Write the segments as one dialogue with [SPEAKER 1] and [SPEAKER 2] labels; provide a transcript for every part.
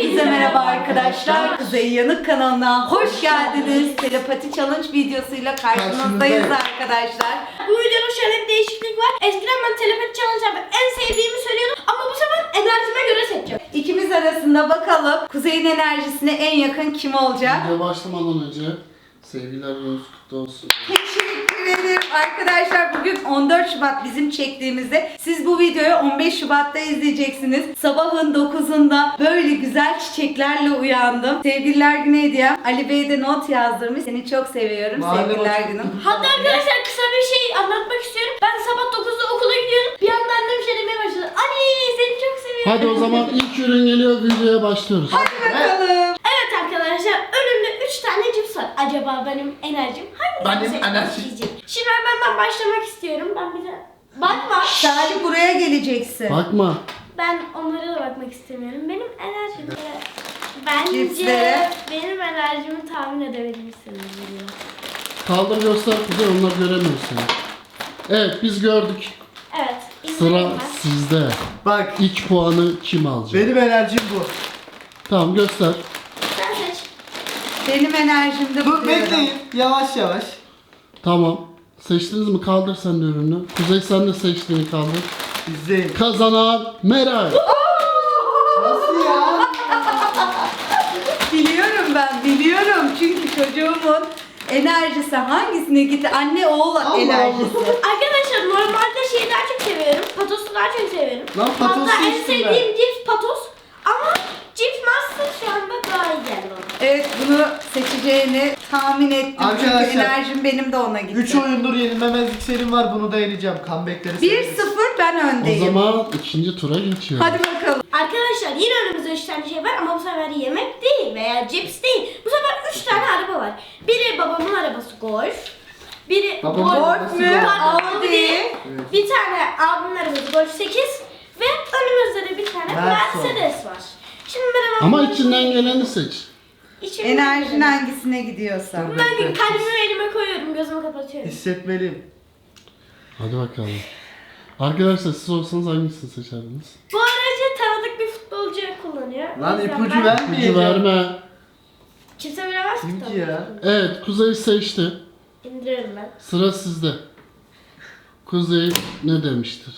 [SPEAKER 1] Hepinize merhaba arkadaşlar. Kuzey Yanık kanalına hoş geldiniz. Telepati challenge videosuyla karşınızdayız arkadaşlar.
[SPEAKER 2] Bu videonun şöyle bir değişiklik var. Eskiden ben telepati challenge yapıp en sevdiğimi söylüyordum ama bu sefer enerjime göre seçeceğim.
[SPEAKER 1] İkimiz arasında bakalım Kuzey'in enerjisine en yakın kim olacak?
[SPEAKER 3] Video başlamadan önce sevgiler gününüz kutlu olsun.
[SPEAKER 1] Teşekkür ederim arkadaşlar. Bugün 14 Şubat bizim çektiğimizde. Siz bu videoyu 15 Şubat'ta izleyeceksiniz. Sabahın 9'unda böyle güzel çiçeklerle uyandım. Sevgililer günü hediyem. Ali Bey de not yazdırmış. Seni çok seviyorum. Sevgililer günüm.
[SPEAKER 2] Hatta arkadaşlar kısa bir şey anlatmak istiyorum. Ben sabah 9'da okula gidiyorum. Bir anda annem şey demeye başladı. Anne seni çok seviyorum.
[SPEAKER 3] Hadi o zaman ilk ürün geliyor, videoya başlıyoruz.
[SPEAKER 1] Hadi bakalım.
[SPEAKER 2] Evet arkadaşlar önümde 3 tane cips var. Acaba benim enerjim hangi yiyecek? Şimdi ben başlamak istiyorum. Ben bir de bakma.
[SPEAKER 1] Salih buraya geleceksin.
[SPEAKER 3] Bakma.
[SPEAKER 2] Ben onlara da bakmak istemiyorum. Benim enerjim bence
[SPEAKER 1] Cipslere.
[SPEAKER 2] benim enerjimi tahmin edebilirsiniz.
[SPEAKER 3] Kaldır göster Kuzey, onlar göremiyor seni. Evet, biz gördük.
[SPEAKER 2] Evet.
[SPEAKER 3] Sıra
[SPEAKER 2] izleyin ben.
[SPEAKER 3] sizde.
[SPEAKER 4] Bak
[SPEAKER 3] İlk puanı kim alacak?
[SPEAKER 4] benim enerjim bu.
[SPEAKER 3] Tamam, göster.
[SPEAKER 2] Sen seç.
[SPEAKER 1] Benim enerjimde
[SPEAKER 4] Dur bekleyin yavaş yavaş.
[SPEAKER 3] Tamam. Seçtiniz mi? Kaldır sen de ürünü. Kuzey sen de seçtiğini kaldır.
[SPEAKER 4] İzleyin.
[SPEAKER 3] Kazanan Meral.
[SPEAKER 4] Nasıl ya?
[SPEAKER 1] Biliyorum ben, biliyorum. Çünkü çocuğumun enerjisi hangisine gitti? Anne oğul
[SPEAKER 4] Allah
[SPEAKER 1] enerjisi.
[SPEAKER 2] Arkadaşlar normalde şeyi daha çok seviyorum. Patosu daha çok seviyorum.
[SPEAKER 4] Lan patos
[SPEAKER 2] Hatta en
[SPEAKER 4] seçtim
[SPEAKER 2] sevdiğim cips patos. Ama cips master şu anda daha iyi geldi bana.
[SPEAKER 1] Evet, bunu seçeceğini tahmin ettim. Çünkü
[SPEAKER 4] Arkadaşlar,
[SPEAKER 1] enerjim benim de ona gitti.
[SPEAKER 4] 3 oyundur yenilmemezlik serim var, bunu da yeneceğim. Comeback'leri
[SPEAKER 1] 1-0 ben
[SPEAKER 3] O
[SPEAKER 1] öndeyim.
[SPEAKER 3] zaman ikinci tura geçiyoruz.
[SPEAKER 1] Hadi bakalım.
[SPEAKER 2] Arkadaşlar yine önümüzde 3 tane şey var ama bu sefer yemek değil veya cips değil. Bu sefer 3 tane araba var. Biri babamın arabası Golf. Biri
[SPEAKER 4] Babamın
[SPEAKER 2] Golf
[SPEAKER 4] arabası
[SPEAKER 1] mü?
[SPEAKER 2] Pardon,
[SPEAKER 1] Audi.
[SPEAKER 2] değil. Bir tane abimin arabası Golf 8 ve önümüzde de bir tane
[SPEAKER 4] Mercedes.
[SPEAKER 2] Mercedes var. Şimdi ben hemen
[SPEAKER 3] Ama içinden geleni seç.
[SPEAKER 2] İçimden
[SPEAKER 1] Enerjin
[SPEAKER 2] geleni-
[SPEAKER 1] hangisine gidiyorsa.
[SPEAKER 2] Ben kalbimi elime koyuyorum, gözümü kapatıyorum.
[SPEAKER 4] Hissetmeliyim.
[SPEAKER 3] Hadi bakalım. Arkadaşlar siz olsanız hangisini seçerdiniz?
[SPEAKER 2] Bu aracı tanıdık bir futbolcu kullanıyor.
[SPEAKER 4] Lan
[SPEAKER 2] O yüzden
[SPEAKER 4] ipucu
[SPEAKER 2] ben-
[SPEAKER 4] vermeyeceğim.
[SPEAKER 3] İpucu verme.
[SPEAKER 2] Kimse bilemez ki
[SPEAKER 4] Kim ki
[SPEAKER 2] tabii.
[SPEAKER 4] ya?
[SPEAKER 3] Evet, Kuzey seçti.
[SPEAKER 2] İndiriyorum ben.
[SPEAKER 3] Sıra sizde. Kuzey ne demiştir?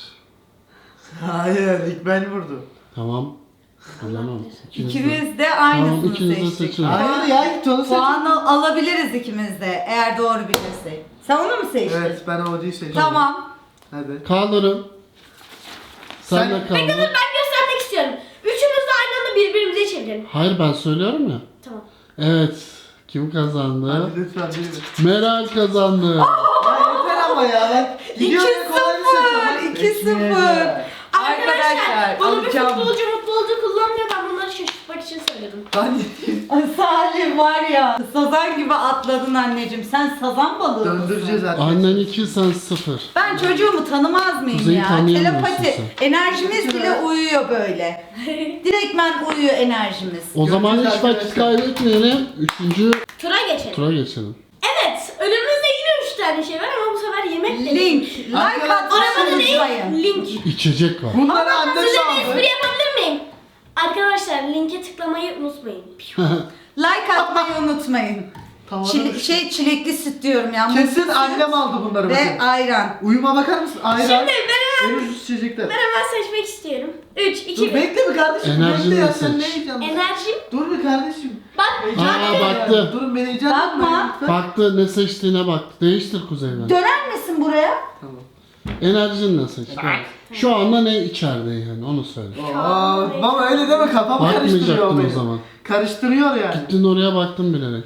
[SPEAKER 4] Hayır, ilk ben vurdum.
[SPEAKER 3] Tamam. Bilemem.
[SPEAKER 1] İkimiz de
[SPEAKER 3] Tamam,
[SPEAKER 1] aynısını
[SPEAKER 3] ikiniz de
[SPEAKER 1] seçtik.
[SPEAKER 3] seçin.
[SPEAKER 4] Hayır ya, ilk onu seçtim.
[SPEAKER 1] Puan alabiliriz ikimiz de eğer doğru bilirsek. Sen onu mu seçtin?
[SPEAKER 4] Evet, ben Audi'yi seçtim.
[SPEAKER 1] Tamam.
[SPEAKER 4] Hadi.
[SPEAKER 3] Kaldırın. Sen
[SPEAKER 4] Sen-
[SPEAKER 3] de
[SPEAKER 2] Dur
[SPEAKER 3] kaldır.
[SPEAKER 2] ben göstermek istiyorum. Üçümüz de aynı anda birbirimize çevirelim.
[SPEAKER 3] Hayır, ben söylüyorum ya.
[SPEAKER 2] Tamam.
[SPEAKER 3] Evet. Kim kazandı?
[SPEAKER 4] Hadi lütfen biri.
[SPEAKER 3] Meral kazandı.
[SPEAKER 4] Ya yeter ama ya, ben gidiyorum
[SPEAKER 1] 2-0,
[SPEAKER 4] kolayını seçiyorum.
[SPEAKER 1] 2-0. Arkadaşlar,
[SPEAKER 2] bunu bir
[SPEAKER 1] alacağım.
[SPEAKER 2] futbolcu kullanmıyor. Ben bunları şaşırtmak için söyledim.
[SPEAKER 4] Lan
[SPEAKER 1] Ay Salim var ya, sazan gibi atladın anneciğim. Sen sazan balığı
[SPEAKER 4] döndüreceğiz
[SPEAKER 1] mısın?
[SPEAKER 4] artık.
[SPEAKER 3] Annen 2, sen 0.
[SPEAKER 1] Ben çocuğumu tanımaz mıyım
[SPEAKER 3] Kuzeyi
[SPEAKER 1] ya?
[SPEAKER 3] tanıyamıyorsun
[SPEAKER 1] Telepati.
[SPEAKER 3] sen.
[SPEAKER 1] Enerjimiz bile uyuyor böyle. Direktmen uyuyor enerjimiz.
[SPEAKER 3] O zaman hiç
[SPEAKER 4] Göreceğiz
[SPEAKER 3] vakit
[SPEAKER 4] arkadaşlar.
[SPEAKER 3] kaybetmeyelim. 3.
[SPEAKER 2] Tura geçelim.
[SPEAKER 3] tura geçelim.
[SPEAKER 2] Evet. Önümüzde yine 3 tane şey var ama bu sefer yemek de değil.
[SPEAKER 1] Link, like
[SPEAKER 4] Arkadaşlar,
[SPEAKER 1] atmayı
[SPEAKER 2] Arabada
[SPEAKER 1] unutmayın.
[SPEAKER 2] değil. Link.
[SPEAKER 3] İçecek var.
[SPEAKER 4] Bunları anne
[SPEAKER 2] Size bir
[SPEAKER 4] çaldı.
[SPEAKER 2] espri yapabilir miyim? Arkadaşlar linke tıklamayı unutmayın.
[SPEAKER 1] Like atmayı unutmayın.
[SPEAKER 4] Tamam.
[SPEAKER 1] Çilekli süt diyorum ya.
[SPEAKER 4] Kesin
[SPEAKER 1] muzlu süt
[SPEAKER 4] annem aldı bunları
[SPEAKER 1] ve
[SPEAKER 4] bakın.
[SPEAKER 1] ayran.
[SPEAKER 4] Uyuma bakar mısın? Ayran.
[SPEAKER 2] Şimdi ben hemen,
[SPEAKER 4] En ucuz içecekler.
[SPEAKER 2] ben hemen seçmek istiyorum. 3, 2,
[SPEAKER 4] Dur
[SPEAKER 2] 1.
[SPEAKER 4] bekle bir kardeşim.
[SPEAKER 3] Enerjini
[SPEAKER 4] Bekle ya,
[SPEAKER 3] de
[SPEAKER 4] sen ne
[SPEAKER 3] seç.
[SPEAKER 4] heyecanlı.
[SPEAKER 2] Enerjim.
[SPEAKER 4] Dur bir kardeşim.
[SPEAKER 2] Bak.
[SPEAKER 3] Aa, baktı.
[SPEAKER 4] Durun beni heyecan
[SPEAKER 1] Bakma.
[SPEAKER 3] Baktı, ne seçtiğine baktı. Değiştir Kuzey'den.
[SPEAKER 1] Döner misin buraya?
[SPEAKER 4] Tamam.
[SPEAKER 3] Enerjinle seç. Şu anda ne içeride yani, onu söyle.
[SPEAKER 4] Aa, baba öyle deme, kafam karıştırıyor
[SPEAKER 3] Bakmayacaktın
[SPEAKER 4] beni.
[SPEAKER 3] o zaman.
[SPEAKER 4] Karıştırıyor yani.
[SPEAKER 3] Gittin oraya, baktın bilerek.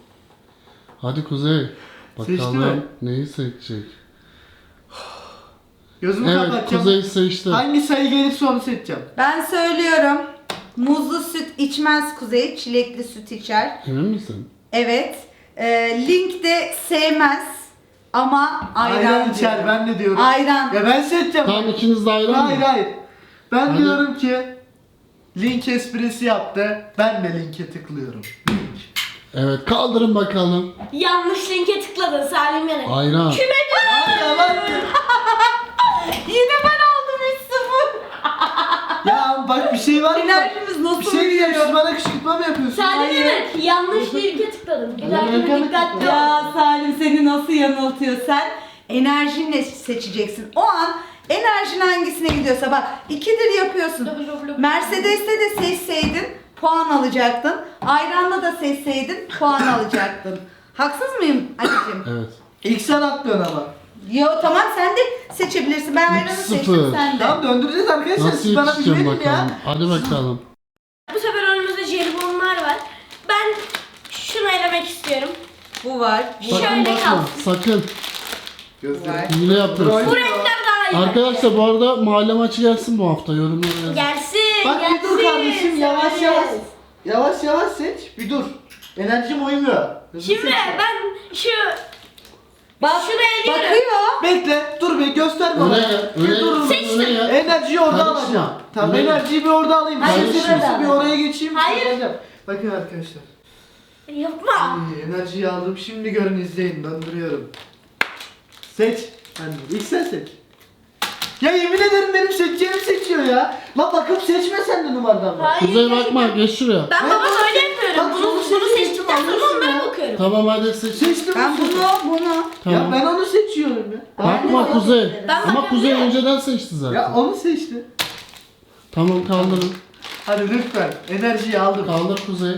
[SPEAKER 3] Hadi Kuzey.
[SPEAKER 4] Seçti
[SPEAKER 3] Bakalım
[SPEAKER 4] mi?
[SPEAKER 3] neyi seçecek.
[SPEAKER 4] Gözümü
[SPEAKER 3] Evet,
[SPEAKER 4] kapatacağım.
[SPEAKER 3] Kuzey seçti.
[SPEAKER 4] Hangi sayı gelirse onu seçeceğim.
[SPEAKER 1] Ben söylüyorum. Muzlu süt içmez Kuzey, çilekli süt içer.
[SPEAKER 3] Emin misin?
[SPEAKER 1] Evet. Link de sevmez ama ayran,
[SPEAKER 4] Ayran içer,
[SPEAKER 1] diyor.
[SPEAKER 4] ben de diyorum.
[SPEAKER 1] Ayran.
[SPEAKER 4] Ya ben seçeceğim.
[SPEAKER 3] Tamam, ikiniz de ayrı
[SPEAKER 4] Hayır
[SPEAKER 3] mı?
[SPEAKER 4] hayır. Ben
[SPEAKER 3] Hadi.
[SPEAKER 4] diyorum ki link esprisi yaptı. Ben de linke tıklıyorum. Link.
[SPEAKER 3] Evet, kaldırın bakalım.
[SPEAKER 2] Yanlış linke tıkladın Salim yani.
[SPEAKER 3] Ayran.
[SPEAKER 2] Küme dön.
[SPEAKER 4] Yalan.
[SPEAKER 1] Yine ben aldım 3-0.
[SPEAKER 4] Ya bak bir şey var mı?
[SPEAKER 1] Enerjimiz nasıl
[SPEAKER 4] Bir şey diyeceğim,
[SPEAKER 1] uyuyor?
[SPEAKER 4] siz bana kışkırtma mı yapıyorsunuz?
[SPEAKER 2] Salim evet yanlış linke tıkladım. Güzelce dikkatli ol.
[SPEAKER 1] Ya Salim seni nasıl yanıltıyor sen? Enerjinle seçeceksin. O an enerjin hangisine gidiyorsa bak 2'dir yapıyorsun. Mercedes'te de seçseydin puan alacaktın. Ayranla da seçseydin puan alacaktın. Haksız mıyım Ali'cim?
[SPEAKER 3] Evet.
[SPEAKER 4] İlk sen atlıyorsun ama.
[SPEAKER 1] Yo tamam sen de seçebilirsin. Ben ayranı
[SPEAKER 3] 3-0.
[SPEAKER 1] seçtim sen de.
[SPEAKER 4] Tamam döndüreceğiz arkadaşlar.
[SPEAKER 3] Nasıl
[SPEAKER 4] Siz bana bir
[SPEAKER 3] yetişeceğim
[SPEAKER 4] verin
[SPEAKER 3] bakalım.
[SPEAKER 4] ya.
[SPEAKER 3] Hadi bakalım.
[SPEAKER 2] Bu sefer önümüzde jelibonlar var. Ben şunu elemek istiyorum.
[SPEAKER 1] Bu var. Bu
[SPEAKER 3] Sakın
[SPEAKER 2] Şöyle
[SPEAKER 3] bakma.
[SPEAKER 2] kalsın.
[SPEAKER 3] Sakın.
[SPEAKER 1] var.
[SPEAKER 3] Hile yapıyorsun.
[SPEAKER 2] Bu renkler daha iyi.
[SPEAKER 3] Arkadaşlar bu arada mahalle maçı gelsin bu hafta. Yorumlara yazın.
[SPEAKER 2] Gelsin.
[SPEAKER 4] Bak
[SPEAKER 2] gelsin.
[SPEAKER 4] bir dur kardeşim yavaş
[SPEAKER 2] Severiz.
[SPEAKER 4] yavaş. Yavaş yavaş seç. Bir dur. Enerjim uymuyor. Hızlı
[SPEAKER 2] Şimdi
[SPEAKER 4] seç.
[SPEAKER 2] ben şu
[SPEAKER 1] Bak,
[SPEAKER 2] şunu eliyorum.
[SPEAKER 1] bakıyor.
[SPEAKER 4] Bekle dur bir göster bana.
[SPEAKER 3] Öne gel.
[SPEAKER 4] Bir
[SPEAKER 3] Öne
[SPEAKER 4] dur.
[SPEAKER 2] Seçtim.
[SPEAKER 3] Öne gel.
[SPEAKER 4] Enerjiyi orada
[SPEAKER 3] Karışma.
[SPEAKER 4] alacağım. Tamam
[SPEAKER 3] Öne gel.
[SPEAKER 4] enerjiyi bir orada alayım.
[SPEAKER 2] Hayır,
[SPEAKER 4] Sen
[SPEAKER 2] şurada.
[SPEAKER 4] seçmişsin, bir oraya geçeyim.
[SPEAKER 2] Hayır.
[SPEAKER 4] alacağım. Bakın arkadaşlar.
[SPEAKER 2] Yapma.
[SPEAKER 4] Enerjiyi aldım. Şimdi görün izleyin. Döndürüyorum. Seç. Hadi ilk sen seç. Ya yemin ederim benim seçeceğimi seçiyor ya. La bakıp seçme sen de numaradan bak.
[SPEAKER 2] Hayır.
[SPEAKER 3] Kuzey bakma geç şuraya.
[SPEAKER 2] Ben
[SPEAKER 4] Ben
[SPEAKER 2] baba
[SPEAKER 4] bunu-
[SPEAKER 2] öyle yapıyorum.
[SPEAKER 4] Bak,
[SPEAKER 2] Bunu
[SPEAKER 4] bunu
[SPEAKER 2] seçtikten sonra
[SPEAKER 4] seçtim,
[SPEAKER 2] onlara
[SPEAKER 4] ya.
[SPEAKER 2] bakıyorum.
[SPEAKER 3] Tamam hadi seç.
[SPEAKER 4] Seçtim.
[SPEAKER 1] Ben bunu.
[SPEAKER 4] Ya
[SPEAKER 3] Tamam.
[SPEAKER 4] ben onu seçiyorum ya.
[SPEAKER 3] Bakma Kuzey.
[SPEAKER 2] Ben
[SPEAKER 3] Ama
[SPEAKER 2] bakıyorum.
[SPEAKER 3] Kuzey önceden seçti zaten.
[SPEAKER 4] Ya onu seçti.
[SPEAKER 3] Tamam kaldırın.
[SPEAKER 4] Hadi lütfen. Enerjiyi aldım.
[SPEAKER 3] Kaldır Kuzey.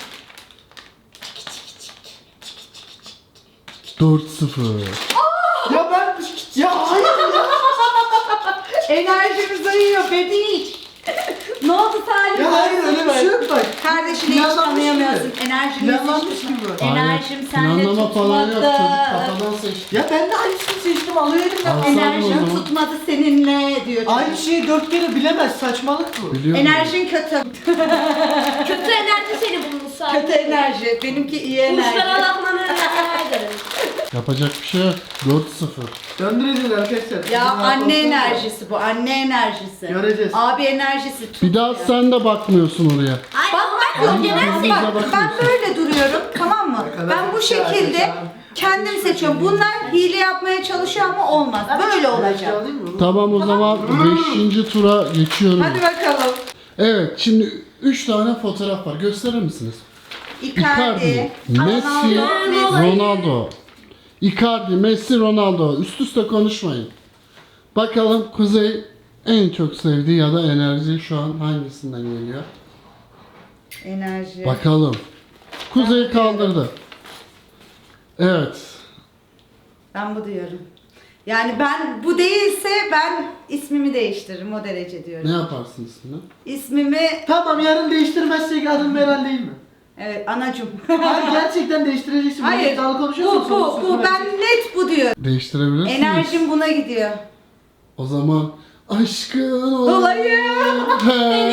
[SPEAKER 3] 4-0.
[SPEAKER 4] Ya ben... Ya hayır ya.
[SPEAKER 1] Enerjimiz uyuyor bebiş. Ne oldu Salim?
[SPEAKER 4] Ya hayır öyle bir şey yok bak.
[SPEAKER 1] Kardeşini hiç
[SPEAKER 4] Planlanmış
[SPEAKER 1] tanıyamıyorsun.
[SPEAKER 4] gibi.
[SPEAKER 1] Enerjini
[SPEAKER 4] Planlanmış
[SPEAKER 1] seçtin.
[SPEAKER 4] gibi.
[SPEAKER 3] Aynen.
[SPEAKER 1] Enerjim sende
[SPEAKER 3] Planlama falan yok.
[SPEAKER 1] tutmadı.
[SPEAKER 3] Çocuk kafadan seçti.
[SPEAKER 4] Ya ben de aynısını seçtim alıyor elimden.
[SPEAKER 3] Al. Sağ ol o
[SPEAKER 1] Enerjim
[SPEAKER 3] zaman.
[SPEAKER 1] tutmadı seninle diyor.
[SPEAKER 4] Aynı şeyi 4 kere bilemez. Saçmalık bu.
[SPEAKER 3] Biliyorum.
[SPEAKER 1] Enerjin kötü.
[SPEAKER 2] Kötü enerji seni bulmuş sadece.
[SPEAKER 1] Kötü enerji. Benimki iyi
[SPEAKER 2] Kuşlara
[SPEAKER 1] enerji.
[SPEAKER 2] lafmanı rica ederim.
[SPEAKER 3] Yapacak bir şey yok. 4-0.
[SPEAKER 4] Döndüreceğiz arkadaşlar. Sizin
[SPEAKER 1] Ya
[SPEAKER 4] rahat
[SPEAKER 1] anne
[SPEAKER 4] olsanız da.
[SPEAKER 1] enerjisi bu. Anne enerjisi.
[SPEAKER 4] Göreceğiz.
[SPEAKER 1] Abi enerjisi.
[SPEAKER 3] Bir daha sen de bakmıyorsun oraya.
[SPEAKER 2] Hayır
[SPEAKER 1] Bak
[SPEAKER 2] onlar
[SPEAKER 1] bak
[SPEAKER 2] önceden
[SPEAKER 3] Bak,
[SPEAKER 2] seçtim.
[SPEAKER 1] bak ben böyle duruyorum tamam mı?
[SPEAKER 4] Arkadaşlar,
[SPEAKER 1] Ben bu şekilde
[SPEAKER 4] arkadaşlar.
[SPEAKER 1] kendim seçiyorum. Bunlar hile yapmaya çalışıyor ama olmaz. Böyle
[SPEAKER 4] Enerji
[SPEAKER 1] olacak.
[SPEAKER 4] alayım mı?
[SPEAKER 3] Tamam o zaman 5. tura geçiyorum.
[SPEAKER 1] Hadi bakalım.
[SPEAKER 3] Evet şimdi 3 tane fotoğraf var. Gösterir misiniz?
[SPEAKER 1] Icardi,
[SPEAKER 3] Messi,
[SPEAKER 1] Ronaldo,
[SPEAKER 3] Ronaldo. Icardi, Messi, Ronaldo. Üst üste konuşmayın. Bakalım Kuzey en çok sevdiği ya da enerji şu an hangisinden geliyor?
[SPEAKER 1] enerji.
[SPEAKER 3] Bakalım. Kuzey kaldırdı. Evet.
[SPEAKER 1] Ben bu diyorum. Yani ben bu değilse ben ismimi değiştiririm o derece diyorum.
[SPEAKER 3] Ne yaparsın ismini?
[SPEAKER 1] İsmimi
[SPEAKER 4] Tamam yarın değiştirmezsek adım Meral değil mi?
[SPEAKER 1] evet anacım.
[SPEAKER 4] Hayır gerçekten değiştireceksin.
[SPEAKER 1] Hayır.
[SPEAKER 4] Böyle iddialı konuşuyorsun,
[SPEAKER 1] Bu
[SPEAKER 4] sorunsuz
[SPEAKER 1] bu ben
[SPEAKER 4] vereceksin.
[SPEAKER 1] net bu diyorum.
[SPEAKER 3] Değiştirebilirsiniz.
[SPEAKER 1] Enerjim buna gidiyor.
[SPEAKER 3] O zaman aşkın
[SPEAKER 1] Olayım.
[SPEAKER 3] Beni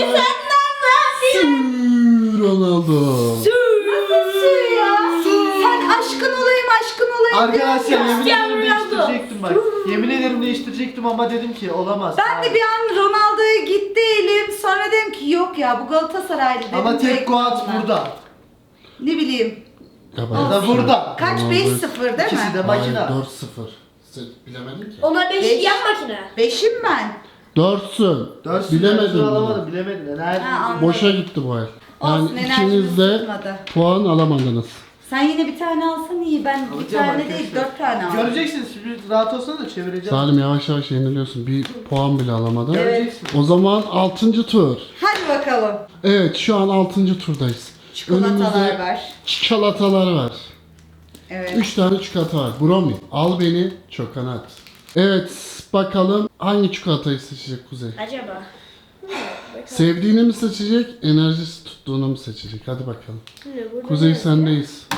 [SPEAKER 3] Ronaldo.
[SPEAKER 1] Nasıl ya? Sen aşkın olayım
[SPEAKER 4] Arkadaşlar
[SPEAKER 1] diyorsun.
[SPEAKER 4] yemin ederim
[SPEAKER 2] Ronaldo.
[SPEAKER 4] değiştirecektim bak. Yemin ederim değiştirecektim ama dedim ki olamaz.
[SPEAKER 1] Ben de bir an Ronaldo'ya gitti elim. Sonra dedim ki yok ya bu Galatasaraylı dedim.
[SPEAKER 4] Ama tek
[SPEAKER 1] direkt
[SPEAKER 4] Guat
[SPEAKER 1] buna.
[SPEAKER 4] burada.
[SPEAKER 1] Ne bileyim.
[SPEAKER 3] Ya
[SPEAKER 4] Ya da burada.
[SPEAKER 1] Kaç?
[SPEAKER 3] Ronaldo.
[SPEAKER 1] 5-0 değil
[SPEAKER 4] İkisi
[SPEAKER 1] mi?
[SPEAKER 4] de makine.
[SPEAKER 3] 4-0. Sen bilemedin ki.
[SPEAKER 2] Onlar 5
[SPEAKER 1] Beş.
[SPEAKER 2] yan makine.
[SPEAKER 1] 5'im ben.
[SPEAKER 3] 4'sün.
[SPEAKER 4] 4
[SPEAKER 3] Bilemedin bunu.
[SPEAKER 4] alamadım bilemedin. Enerji.
[SPEAKER 1] Ha, anladım.
[SPEAKER 3] Boşa gitti bu el. Yani
[SPEAKER 1] Olsun, enerjimiz
[SPEAKER 3] ikiniz de
[SPEAKER 1] tutmadı.
[SPEAKER 3] puan alamadınız.
[SPEAKER 1] Sen yine bir tane alsan iyi. Ben bir
[SPEAKER 4] Alacağım
[SPEAKER 1] tane
[SPEAKER 4] arkadaşlar.
[SPEAKER 1] değil 4 tane aldım.
[SPEAKER 4] Göreceksiniz şimdi rahat olsana da çevireceğim.
[SPEAKER 3] Salim yavaş yavaş yeniliyorsun. Bir puan bile alamadın.
[SPEAKER 4] Göreceksin.
[SPEAKER 3] O zaman 6. tur.
[SPEAKER 1] Hadi bakalım.
[SPEAKER 3] Evet şu an 6. turdayız.
[SPEAKER 1] Çikolatalar var.
[SPEAKER 3] Çikolatalar var.
[SPEAKER 1] Evet.
[SPEAKER 3] 3 tane çikolata var. Bromi. Al beni çokonat. Evet bakalım hangi çikolatayı seçecek Kuzey?
[SPEAKER 2] Acaba.
[SPEAKER 3] Sevdiğini mi seçecek, enerjisi tuttuğunu mu seçecek? Hadi bakalım.
[SPEAKER 2] Burada
[SPEAKER 3] Kuzey
[SPEAKER 2] ne?
[SPEAKER 3] sendeyiz.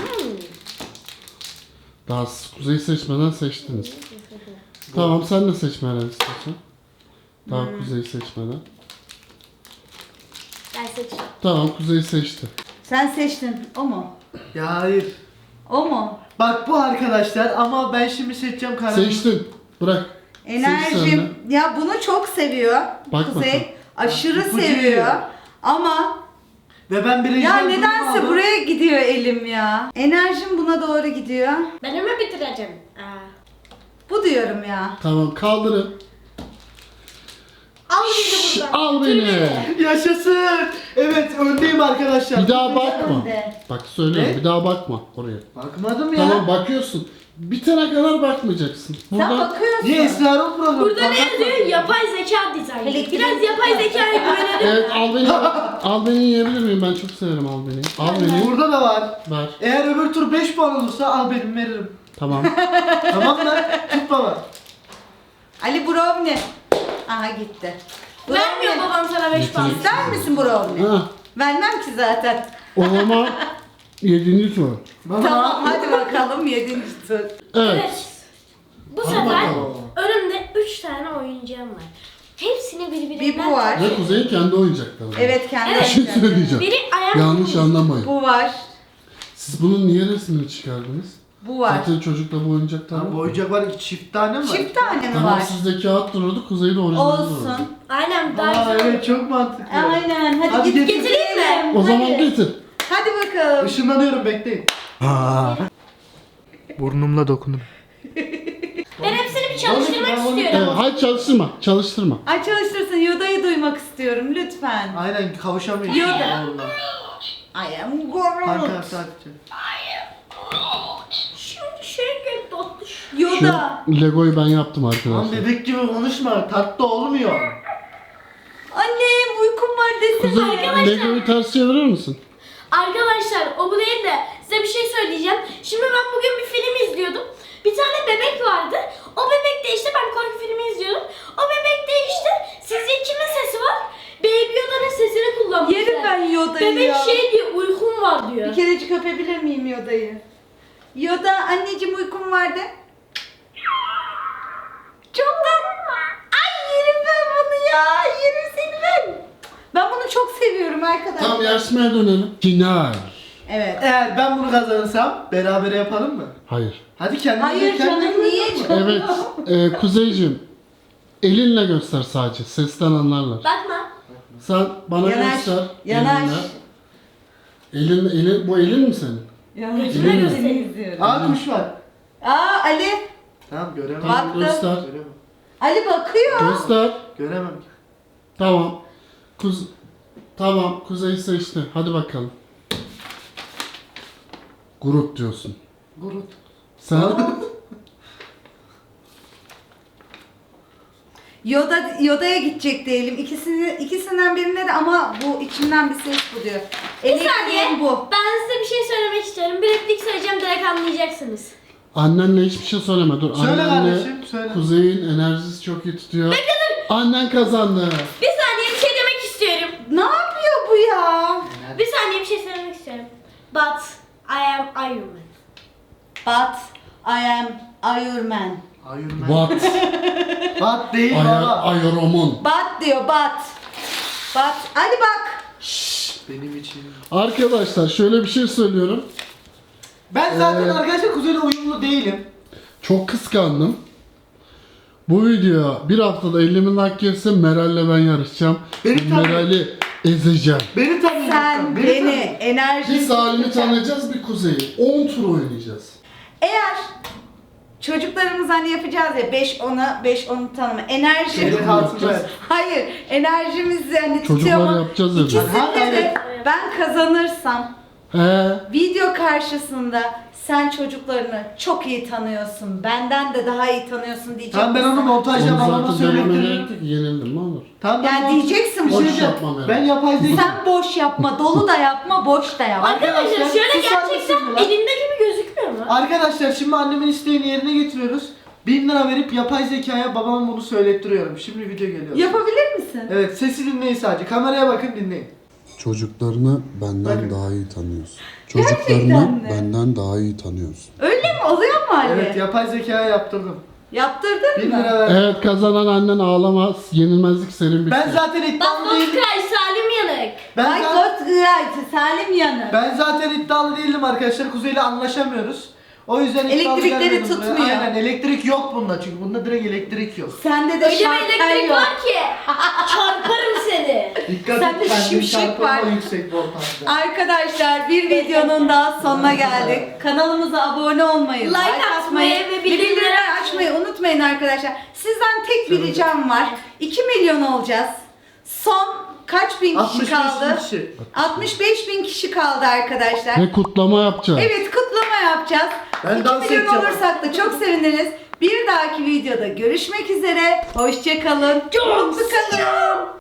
[SPEAKER 3] Daha Kuzey seçmeden seçtiniz. Tamam sen de seçmeden istiyorsun. Daha Kuzey seçmeden.
[SPEAKER 2] Ben seçeceğim.
[SPEAKER 3] Tamam Kuzey seçti.
[SPEAKER 1] Sen seçtin. O mu?
[SPEAKER 4] Ya hayır.
[SPEAKER 1] O mu?
[SPEAKER 4] Bak bu arkadaşlar ama ben şimdi seçeceğim kararımı.
[SPEAKER 3] Seçtin. Bırak. Seç sen
[SPEAKER 1] Enerjim. Ya bunu çok seviyor.
[SPEAKER 3] Bak
[SPEAKER 1] Kuzey.
[SPEAKER 3] bakalım.
[SPEAKER 1] Aşırı
[SPEAKER 4] İpucu
[SPEAKER 1] seviyor.
[SPEAKER 4] veriyor.
[SPEAKER 1] Ama
[SPEAKER 4] Ve ben birinci
[SPEAKER 1] ya
[SPEAKER 4] olduğumu
[SPEAKER 1] nedense
[SPEAKER 4] aldım.
[SPEAKER 1] buraya gidiyor elim ya. Enerjim buna doğru gidiyor.
[SPEAKER 2] Ben hemen bitireceğim.
[SPEAKER 1] Bu diyorum ya.
[SPEAKER 3] Tamam kaldırın.
[SPEAKER 2] Al beni buradan.
[SPEAKER 3] Al
[SPEAKER 2] Götür
[SPEAKER 3] beni.
[SPEAKER 4] Yaşasın. Evet öndeyim arkadaşlar.
[SPEAKER 3] Bir daha bakma.
[SPEAKER 1] önde.
[SPEAKER 3] Bak söylüyorum
[SPEAKER 4] Ne?
[SPEAKER 3] bir daha bakma oraya.
[SPEAKER 4] Bakmadım ya.
[SPEAKER 3] Tamam bakıyorsun. Bitene kadar bakmayacaksın.
[SPEAKER 1] Sen
[SPEAKER 3] Burada
[SPEAKER 1] bakıyorsun.
[SPEAKER 4] Niye Esrar'ın programı?
[SPEAKER 2] Burada ne
[SPEAKER 4] Bakma.
[SPEAKER 2] yazıyor? Yapay zeka dizaynı.
[SPEAKER 1] Elektrik-
[SPEAKER 2] Biraz yapay zekaya güvenelim.
[SPEAKER 3] evet al beni. Al beni yiyebilir miyim? Ben çok severim al beni. Al beni.
[SPEAKER 4] Burada da var.
[SPEAKER 3] Ver.
[SPEAKER 4] Eğer öbür tur 5 puan olursa al benim veririm.
[SPEAKER 3] Tamam.
[SPEAKER 4] Tamam mı? Tut baba.
[SPEAKER 1] Ali Brownie. Aha gitti.
[SPEAKER 2] Vermiyor
[SPEAKER 1] Brownie.
[SPEAKER 2] babam sana 5 puan.
[SPEAKER 1] İster misin Brownie?
[SPEAKER 3] Ha,
[SPEAKER 1] Vermem ki zaten.
[SPEAKER 3] o zaman 7. tur.
[SPEAKER 4] Baba.
[SPEAKER 1] Tamam hadi bakalım 7. tur.
[SPEAKER 3] Evet.
[SPEAKER 2] Evet. Bu
[SPEAKER 3] Hadi
[SPEAKER 2] sefer
[SPEAKER 3] bakalım.
[SPEAKER 2] önümde 3 tane oyuncağım var. Hepsini birbirinden...
[SPEAKER 1] Bir bu var.
[SPEAKER 3] Ve Kuzey'in kendi oyuncakları.
[SPEAKER 1] Evet kendi
[SPEAKER 2] Evet.
[SPEAKER 3] Bir şey
[SPEAKER 1] oyuncakları.
[SPEAKER 3] söyleyeceğim.
[SPEAKER 2] Biri ayak...
[SPEAKER 3] Yanlış anlamayın.
[SPEAKER 1] Bu var.
[SPEAKER 3] Siz bunun niye resmini çıkardınız?
[SPEAKER 1] Bu var.
[SPEAKER 3] Zaten çocukta bu oyuncaklar
[SPEAKER 4] Tamam,
[SPEAKER 3] var.
[SPEAKER 4] bu oyuncak var ki çift tane mi var?
[SPEAKER 1] Çift tane mi
[SPEAKER 3] Tamam
[SPEAKER 1] var?
[SPEAKER 3] sizde kağıt duruyordu, Kuzey'de orijinal duruyordu.
[SPEAKER 1] Olsun.
[SPEAKER 2] Aynen daha
[SPEAKER 4] Aa
[SPEAKER 2] güzel.
[SPEAKER 4] evet çok mantıklı.
[SPEAKER 1] Aynen. Hadi,
[SPEAKER 4] Hadi
[SPEAKER 1] git
[SPEAKER 4] getir.
[SPEAKER 2] Getireyim mi?
[SPEAKER 3] O zaman
[SPEAKER 1] Hadi.
[SPEAKER 3] getir.
[SPEAKER 1] Hadi bakalım.
[SPEAKER 4] Işınlanıyorum bekleyin. Burnumla dokunurum.
[SPEAKER 2] Ben hepsini bir çalıştırmak
[SPEAKER 4] Ben onu-
[SPEAKER 3] Evet,
[SPEAKER 2] istiyorum.
[SPEAKER 3] hayır çalıştırma, çalıştırma.
[SPEAKER 1] Ay çalıştırsın. Yoda'yı duymak istiyorum lütfen.
[SPEAKER 4] Aynen kavuşamıyorum.
[SPEAKER 1] Yoda.
[SPEAKER 4] Vallahi.
[SPEAKER 1] I am Groot.
[SPEAKER 4] Kanka sadece.
[SPEAKER 2] Şimdi şey tatlı.
[SPEAKER 3] Şu
[SPEAKER 1] Yoda.
[SPEAKER 3] Lego'yu ben yaptım
[SPEAKER 4] Lan
[SPEAKER 3] arkadaşlar.
[SPEAKER 4] bebek gibi konuşma. Tatlı olmuyor.
[SPEAKER 1] Annem uykum var desene.
[SPEAKER 3] Kuzey,
[SPEAKER 2] Arkadaşlar-
[SPEAKER 3] Lego'yu ters çevirir misin?
[SPEAKER 2] Arkadaşlar o bu değil de size bir şey söyleyeceğim. Şimdi ben bugün bir film izliyordum. Bir tane bebek vardı. O bebekte işte ben korku filmi izliyordum. O bebekte işte sizce kimin sesi var? Baby Yoda'nın sesini kullanmışlar.
[SPEAKER 1] Yerim ben Yoda'yı
[SPEAKER 2] Bebek
[SPEAKER 1] ya.
[SPEAKER 2] şey diyor uykum var diyor.
[SPEAKER 1] Bir kerecik öpebilir miyim Yoda'yı? Yoda anneciğim uykum vardı. Çok tatlı. Ay yerim ben bunu ya. Yerim seni ben. Ben bunu çok seviyorum arkadaşlar.
[SPEAKER 3] Tam yarışmaya dönelim. Final.
[SPEAKER 1] Evet.
[SPEAKER 4] Eğer ben bunu kazanırsam berabere yapalım mı?
[SPEAKER 3] Hayır.
[SPEAKER 4] Hadi kendine
[SPEAKER 1] Hayır canım niye canım?
[SPEAKER 3] Evet, Kuzeyciğim. Elinle göster sadece, sesten anlarlar.
[SPEAKER 2] Bakma.
[SPEAKER 3] Sen bana
[SPEAKER 1] Yanaş,
[SPEAKER 3] göster.
[SPEAKER 1] yanaş.
[SPEAKER 3] Elin, bu elin mi senin?
[SPEAKER 1] Ya
[SPEAKER 2] Gözüme
[SPEAKER 1] seni
[SPEAKER 2] göstereyim.
[SPEAKER 1] izliyorum.
[SPEAKER 4] Aa kuş var.
[SPEAKER 1] Aa Ali.
[SPEAKER 4] Tamam göremem.
[SPEAKER 3] Tamam,
[SPEAKER 1] Baktım.
[SPEAKER 3] göster.
[SPEAKER 4] Göremem.
[SPEAKER 1] Ali bakıyor.
[SPEAKER 3] Göster.
[SPEAKER 4] Göremem.
[SPEAKER 3] Tamam. Tamam, Kuzey seçti. Hadi bakalım. Grup diyorsun.
[SPEAKER 4] Gurut.
[SPEAKER 3] Sen
[SPEAKER 1] Yoda'ya gidecek diyelim. İkisinden birine de ama bu içimden bir ses bu diyor.
[SPEAKER 2] Bir
[SPEAKER 1] Elektriğin
[SPEAKER 2] saniye.
[SPEAKER 1] bu.
[SPEAKER 2] Ben size bir şey söylemek istiyorum. Bir replik söyleyeceğim direkt anlayacaksınız.
[SPEAKER 3] annenle hiçbir şey söyleme. Dur.
[SPEAKER 4] Söyle
[SPEAKER 3] Annenle
[SPEAKER 4] kardeşim, söyle.
[SPEAKER 3] Kuzey'in enerjisi çok iyi tutuyor. Annen kazandı.
[SPEAKER 2] Bir saniye bir şey demek istiyorum.
[SPEAKER 1] Ne yapıyor bu ya?
[SPEAKER 2] Bir saniye bir şey söylemek istiyorum. But I am Iron Man.
[SPEAKER 1] But I am Iron Man.
[SPEAKER 4] Hayır ben.
[SPEAKER 3] What?
[SPEAKER 4] Bat değil baba.
[SPEAKER 3] Ayaromon.
[SPEAKER 1] But diyor but. But. Hadi bak.
[SPEAKER 4] Benim için.
[SPEAKER 3] Arkadaşlar şöyle bir şey söylüyorum.
[SPEAKER 4] Ben zaten arkadaşlar kuzeyle uyumlu değilim.
[SPEAKER 3] Çok kıskandım. Bu video bir haftada 50.000 like gelirse Meral'le ben yarışacağım.
[SPEAKER 4] Beni tanı-
[SPEAKER 3] Meral'i ezeceğim.
[SPEAKER 4] Beni tanıyacaksın.
[SPEAKER 1] Sen beni enerji.
[SPEAKER 3] Bir Salim'i tanıyacağız, bir Kuzey'i. 10 tur oynayacağız.
[SPEAKER 1] Eğer çocuklarımız hani yapacağız ya 5-10'u tanıma. Enerji.
[SPEAKER 4] Şeyde kalsın be.
[SPEAKER 1] Hayır, enerjimizi hani
[SPEAKER 3] Çocuklar
[SPEAKER 1] tutuyor ama
[SPEAKER 3] yapacağız dedi.
[SPEAKER 1] ikisinde de ben kazanırsam video karşısında sen çocuklarını çok iyi tanıyorsun. Benden de daha iyi tanıyorsun diyecek.
[SPEAKER 4] Tamam ben onu
[SPEAKER 1] misin?
[SPEAKER 4] montajla
[SPEAKER 3] Onu
[SPEAKER 4] babama
[SPEAKER 3] zaten dememe
[SPEAKER 4] söyledim.
[SPEAKER 3] gerek yok ki, yenildim ne olur.
[SPEAKER 4] Tamam ben
[SPEAKER 1] Yani
[SPEAKER 4] mont-
[SPEAKER 1] diyeceksin
[SPEAKER 4] Bir şey
[SPEAKER 1] boş
[SPEAKER 4] diyeceğim.
[SPEAKER 3] yapmam yani.
[SPEAKER 4] Ben yapay zeka.
[SPEAKER 1] Sen boş yapma, dolu da yapma, boş da yapma.
[SPEAKER 2] Arkadaşlar
[SPEAKER 4] Arkadaşlar,
[SPEAKER 2] şöyle
[SPEAKER 4] susar mısın
[SPEAKER 2] gerçekten
[SPEAKER 4] lan?
[SPEAKER 2] elimde gibi gözükmüyor mu?
[SPEAKER 4] Arkadaşlar şimdi annemin isteğini yerine getiriyoruz. 1000 lira verip yapay zekaya babama bunu söylettiriyorum. Şimdi video geliyor.
[SPEAKER 1] Yapabilir misin?
[SPEAKER 4] Evet sesi dinleyin sadece. Kameraya bakın dinleyin.
[SPEAKER 3] Çocuklarını benden
[SPEAKER 4] Bakın.
[SPEAKER 3] daha iyi tanıyorsun.
[SPEAKER 1] Gerçekten
[SPEAKER 3] Çocuklarını
[SPEAKER 1] mi?
[SPEAKER 3] benden daha iyi tanıyorsun.
[SPEAKER 1] Öyle mi? Oluyor mu Ali?
[SPEAKER 4] Evet yapay zekaya yaptırdım.
[SPEAKER 1] Yaptırdın
[SPEAKER 4] 1000
[SPEAKER 1] mı?
[SPEAKER 4] lira ver.
[SPEAKER 3] Evet, kazanan annen ağlamaz. Yenilmezlik senin bitti.
[SPEAKER 4] Ben zaten iddialı
[SPEAKER 2] Bak
[SPEAKER 4] değilim.
[SPEAKER 2] Kray Salim Yanık.
[SPEAKER 1] Ay Ghost Salim yanı.
[SPEAKER 4] Ben zaten iddialı değildim arkadaşlar. Kuzey'le anlaşamıyoruz. O yüzden hiç
[SPEAKER 1] Elektrikleri
[SPEAKER 4] gaz vermedim buraya.
[SPEAKER 1] tutmuyor.
[SPEAKER 4] Aynen, elektrik yok bunda çünkü bunda direkt elektrik yok.
[SPEAKER 1] Sende de
[SPEAKER 2] Öyle bir
[SPEAKER 1] şartel
[SPEAKER 2] elektrik
[SPEAKER 1] yok.
[SPEAKER 2] var ki çarparım seni.
[SPEAKER 4] Dikkat
[SPEAKER 1] Sende
[SPEAKER 4] et, kendini
[SPEAKER 1] şimşek
[SPEAKER 4] çarpma
[SPEAKER 1] var.
[SPEAKER 4] yüksek voltajda.
[SPEAKER 1] Arkadaşlar bir videonun daha sonuna geldik. Kanalımıza abone olmayı,
[SPEAKER 2] Like atmayı ve bildirimleri
[SPEAKER 1] açmayı unutmayın arkadaşlar. Sizden tek bir ricam var. 2 milyon olacağız. Son kaç bin kişi
[SPEAKER 4] 65
[SPEAKER 1] kaldı?
[SPEAKER 4] kişi.
[SPEAKER 1] 65 bin kişi kaldı arkadaşlar.
[SPEAKER 3] Ve kutlama yapacağız.
[SPEAKER 1] Evet, kutlama yapacağız.
[SPEAKER 4] Ben
[SPEAKER 1] 2
[SPEAKER 4] dans
[SPEAKER 1] milyon
[SPEAKER 4] edeceğim.
[SPEAKER 1] olursak da çok seviniriz. Bir dahaki videoda görüşmek üzere. Hoşça kalın. Mutlu kalın.